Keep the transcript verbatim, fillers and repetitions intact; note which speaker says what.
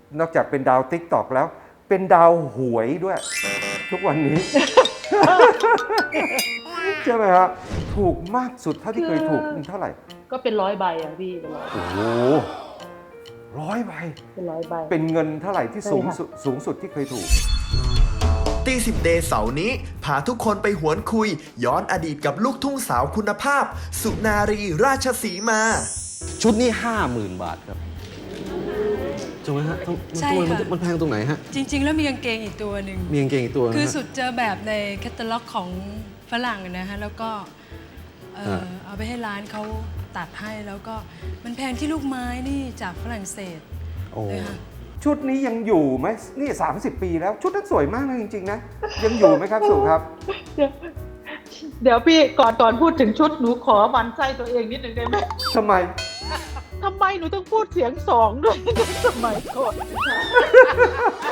Speaker 1: นอกจากเป็นดาวติ๊กตอกแล้ว เป็นดาวหวยด้วย ทุกวันนี้ ใช่ไหมครับถูกมากสุดเท่าที่เคยถูกเท่าไหร่
Speaker 2: ก็เป็นร้อยใบอ่ะพี่เป็นร้อย
Speaker 1: โอ้โหร้อยใบ
Speaker 2: เป็นร้อยใบ
Speaker 1: เป็นเงินเท่าไหร่ที่สูง
Speaker 2: ใช่ค่ะ
Speaker 1: สุดสูงสุดที่เคยถูก
Speaker 3: ตีสิบเดย์เสาร์นี้ พาทุกคนไปหวนคุย ย้อนอดีตกับลูกทุ่งสาวคุณภาพ สุนารีราชสีมา
Speaker 4: ชุดนี้ห้าหมื่นบาทครับถูกไหมฮะ
Speaker 5: ใช่
Speaker 4: ทำไมมัน
Speaker 5: ค่ะ
Speaker 4: มันแพงตรงไหนฮะ
Speaker 5: จริง ๆ แล้วมีกางเกงอีกตัวหนึ่ง
Speaker 4: มีกางเกงอีกตัวนะฮะ
Speaker 5: คือสุดเจอแบบในแคตตาล็อกของฝรั่งนะฮะ แล้วก็เอ่อ
Speaker 4: ฮะ
Speaker 5: เอาไปให้ร้านเขาตัดให้แล้วก็มันแพงที่ลูกไม้นี่จากฝรั่งเศส
Speaker 4: โอ้
Speaker 5: เลยค่ะ
Speaker 1: ชุดนี้ยังอยู่ไหมนี่สามสิบปีแล้ว ชุดนั้นสวยมากนะจริงๆนะยังอยู่ไหมครับสุครับ
Speaker 2: เดี๋ยวเดี๋ยวพี่ก่อนก่อนพูดถึงชุดหนูขอหมันไส้ตัวเองนิดหนึ่งได้ไหม
Speaker 1: ทำไม
Speaker 2: ทำไมหนูต้องพูดเสียงสองด้วยในสมัยก่อน